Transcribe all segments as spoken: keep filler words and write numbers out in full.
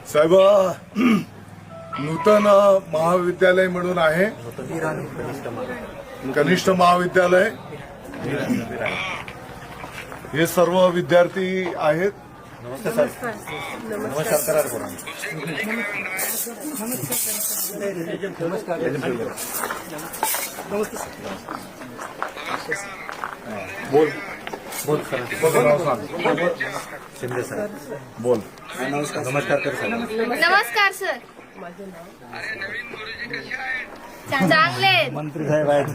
साहेब, नूतन महाविद्यालय म्हणून आहे, कनिष्ठ महाविद्यालय. हे सर्व विद्यार्थी आहेत. नमस्कार सर. नमस्कार करा बोला. नमस्कार बोल बोल सर. शिंदे सर बोल. नमस्कार नमस्कार कर सर. नमस्कार सर. चांगले आहेत. मंत्री साहेब आहेत.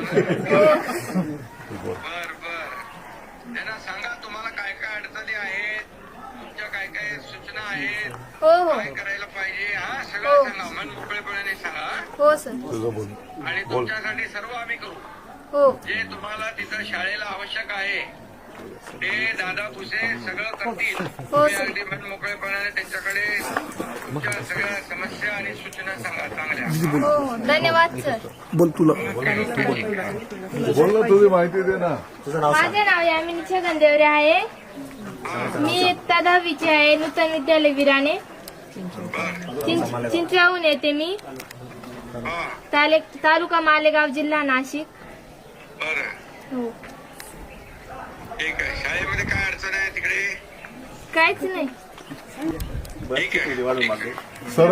त्यांना सांगा तुम्हाला काय काय अडचणी आहेत, तुमच्या काय काय सूचना आहेत, हो हो काय करायला पाहिजे, हा सगळं सांगा. मन मोकळेपणाने सांगा हो सर. तुझं बोल. आणि तुमच्यासाठी सर्व आम्ही करू. हो जे तुम्हाला तिथं शाळेला आवश्यक आहे ते दादा भुसे सगळं करतील. तुम्ही सर. अगदी मन मोकळेपणाने त्यांच्याकडे तुमच्या सगळ्या समस्या आणि सूचना सांगा चांगल्या. हो हो धन्यवाद सर. बोल तुला बोल ना, तुझी माहिती दे ना. तुझं नाव सांग. माझे नाव यामिनी छगन देवरे आहे. मी इयत्ता दहावीची आहे. नूतन विद्यालय विराने चिं- चिंचवाहून येते मी. ताले तालुका मालेगाव, जिल्हा नाशिक. बरं, हो ठीक आहे. शाळेमध्ये काय अडचण आहे तिकडे? काहीच नाही. ठीक आहे. सर,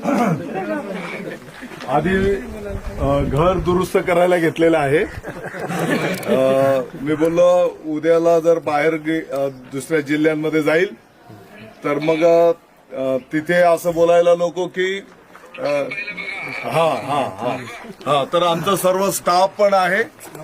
आधी अ, घर दुरुस्त करायला घेतलेलं आहे. अ, मी बोललो उद्याला जर बाहेर गे- अ, दुसऱ्या जिल्ह्यांमध्ये जाईल तर मग अ, तिथे असं बोलायला नको की अ, हा हा हा हा तर आमचा सर्व स्टाफ पण आहे.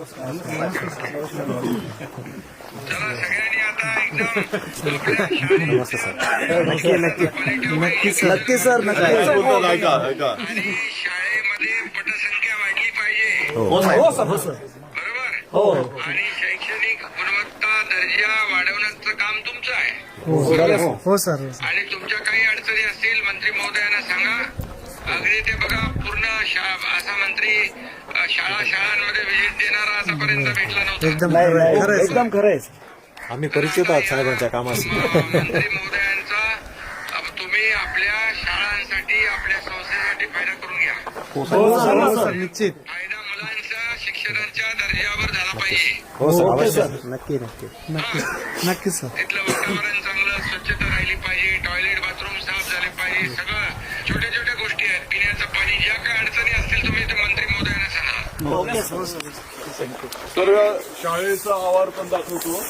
चला सगळ्यांनी आता एकदम नमस्ते सर. नक्की नक्की नक्की सर. नक्की सर नक्की. बोलतात, ऐका ऐका. आणि शाळेमध्ये पटसंख्या वाढली पाहिजे. हो सर. हो सर. बरोबर. हो आणि शैक्षणिक गुणवत्ता दर्जा वाढवण्याचं काम तुमचं आहे. हो सर. आणि तुमच्या काही अडचणी असतील मंत्री महोदयांना सांगा. अगदी ते बघा पूर्ण शा- असा मंत्री अ, शाळा शाळांमध्ये व्हिजिट देणारा आतापर्यंत भेटला नव्हता. एकदम खरं आहे. एकदम खरं आहे. आम्ही परिचित आहोत साहेबांच्या कामाशी. मंत्री महोदयांचा अ, तुम्ही आपल्या शाळांसाठी आपल्या संस्थेसाठी फायदा करून घ्या. हो सर. निश्चित. फायदा मुलांच्या शिक्षणाच्या दर्जावर झाला पाहिजे. हो सर. अवश्य. नक्की नक्की नक्की नक्की सर. तिथलं वातावरण चांगलं, स्वच्छता राहिली पाहिजे, टॉयलेट बाथरूम साफ झाले पाहिजे. सगळं छोट्या छोट्या गोष्टी आहेत. पिण्याचं पाणी, ज्या काय अडचणी असतील तुम्ही ते मंत्री महोदयांना सांगा. Okay sir. तर शाळेचा आवार पण दाखवतो.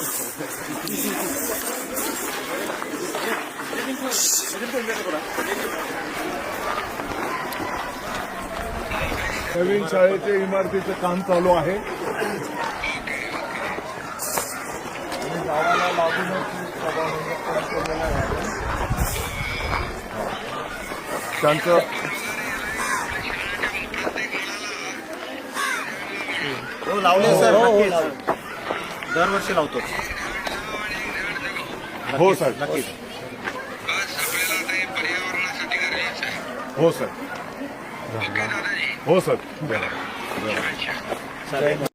नवीन शाळेच्या इमारतीचं काम चालू आहे. आणि गावाला लागूनच सभामंडप पण केलेलं आहे. त्यांचं हो लावले सर. नक्की दरवर्षी लावतो. हो सर. नक्की. बस आपल्याला आता हे पर्यावरणासाठी गरजेचं आहे. हो सर. ओके दादाजी. हो सर. अच्छा.